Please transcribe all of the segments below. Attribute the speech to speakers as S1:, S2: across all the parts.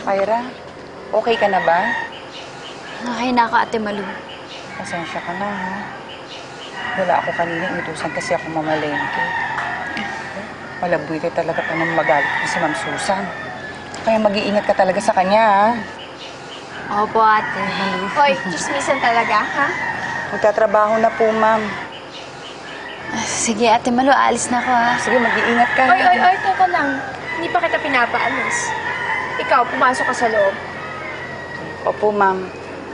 S1: Ira, okay ka na ba?
S2: Ay, naka Ate Malu.
S1: Pasensya ka na, ha? Wala ako kanina, inutusan kasi ako mamalengke. Malabuy ka talaga pa nang magalit na si Ma'am Susan. Kaya mag-iingat ka talaga sa kanya, ha?
S2: Opo, Ate Malu.
S3: Hoy, chismisan talaga, ha?
S1: Magtatrabaho na po, Ma'am.
S2: Sige, Ate Malu, aalis na ako, ha?
S1: Sige, mag-iingat ka.
S3: Oy, teka lang. Hindi pa kita pinapaalis. Ikaw, pumasok ka sa loob.
S1: Opo, Ma'am.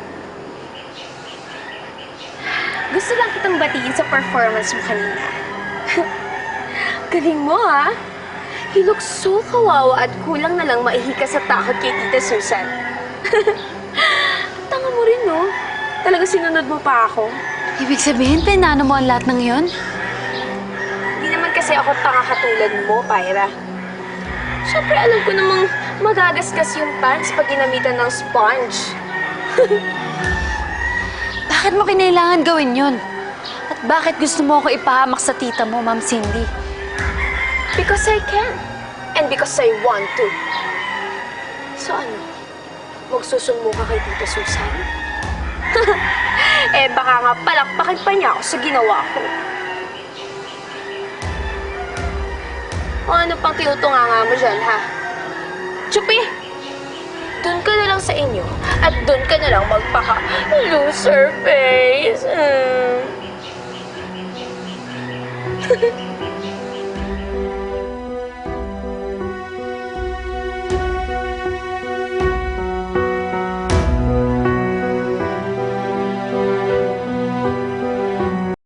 S3: Gusto lang kitang batiin sa performance mo kanina. Galing mo, ha? You look so kawawa at kulang na lang maihika sa takot kay Tita Susan. Tanga mo rin, no? Talaga sinunod mo pa ako.
S2: Ibig sabihin, pinano mo ang lahat ng yon?
S3: Hindi naman kasi ako tanga katulad mo, Pyra. Siyempre, alam ko namang magagasgas yung pants pag ginamitan ng sponge.
S2: Bakit mo kinailangan gawin yon? At bakit gusto mo ako ipahamak sa tita mo, Ma'am Cindy?
S3: Because I can. And because I want to. So ano? Magsusumo ka kay Tita Susan? Eh, baka nga palakpakin pa niya ako sa ginawa ko. O ano pang tinutunganga mo dyan, ha? Chupi! Doon ka na lang sa inyo at doon ka na lang magpaka-loser face.